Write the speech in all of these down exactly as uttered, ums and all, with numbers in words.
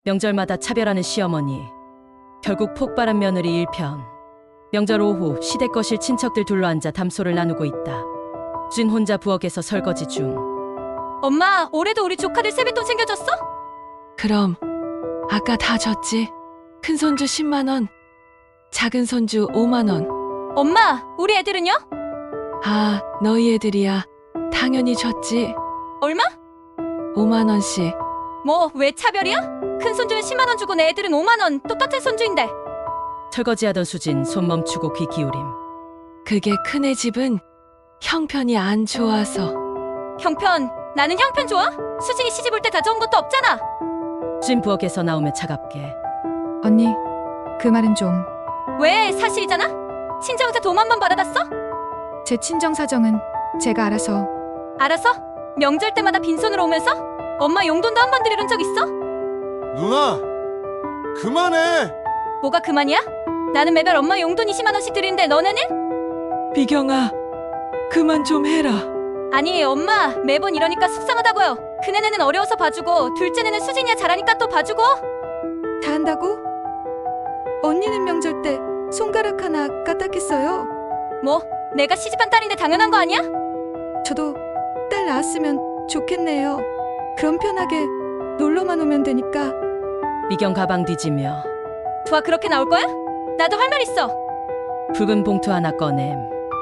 명절마다 차별하는 시어머니. 결국 폭발한 며느리 일 편. 명절 오후 시댁 거실 친척들 둘러앉아 담소를 나누고 있다. 쥔 혼자 부엌에서 설거지 중. 엄마, 올해도 우리 조카들 세뱃돈 챙겨줬어? 그럼 아까 다 줬지. 큰 손주 십만 원, 작은 손주 오만 원. 엄마, 우리 애들은요? 아, 너희 애들이야. 당연히 줬지. 얼마? 오만 원씩. 뭐, 왜 차별이야? 큰 손주는 십만 원 주고 내 애들은 오만 원. 똑같은 손주인데. 설거지하던 수진 손 멈추고 귀 기울임. 그게 큰애 집은 형편이 안 좋아서. 형편, 나는 형편 좋아? 수진이 시집 올 때 가져온 것도 없잖아. 쥔 부엌에서 나오며 차갑게. 언니, 그 말은 좀. 왜? 사실이잖아? 친정에서 돈 한 번 받아놨어? 제 친정 사정은 제가 알아서. 알아서? 명절 때마다 빈손으로 오면서? 엄마 용돈도 한 번 드려준 적 있어? 누나, 그만해. 뭐가 그만이야? 나는 매달 엄마 용돈 이십만 원씩 드리는데 너네는? 비경아, 그만 좀 해라. 아니 엄마, 매번 이러니까 속상하다고요. 큰애는 어려워서 봐주고 둘째는 수진이야 잘하니까 또 봐주고. 다 한다고? 언니는 명절 때 손가락 하나 까딱했어요. 뭐? 내가 시집한 딸인데 당연한 거 아니야? 저도 딸 낳았으면 좋겠네요. 그럼 편하게 놀러만 오면 되니까. 미경 가방 뒤지며 두아 그렇게 나올 거야? 나도 할 말 있어. 붉은 봉투 하나 꺼냄.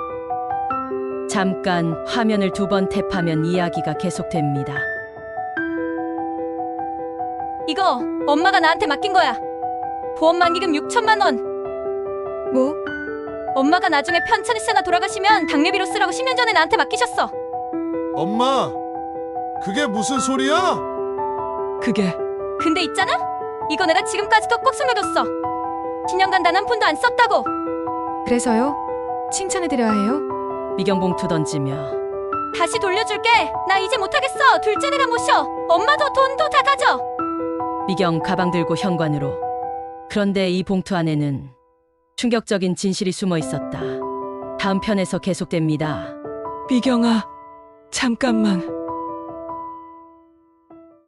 잠깐 화면을 두 번 탭하면 이야기가 계속됩니다. 이거 엄마가 나한테 맡긴 거야. 보험 만기금 육천만 원. 뭐? 엄마가 나중에 편찮으시거나 돌아가시면 당례비로 쓰라고 십 년 전에 나한테 맡기셨어. 엄마, 그게 무슨 소리야? 그게 근데 있잖아? 이거 내가 지금까지도 꼭 숨겨뒀어. 십 년간 단 한 푼도 안 썼다고. 그래서요? 칭찬해드려야 해요? 미경 봉투 던지며 다시 돌려줄게. 나 이제 못하겠어. 둘째내가 모셔. 엄마도 돈도 다 가져. 미경 가방 들고 현관으로. 그런데 이 봉투 안에는 충격적인 진실이 숨어 있었다. 다음 편에서 계속됩니다. 비경아, 잠깐만.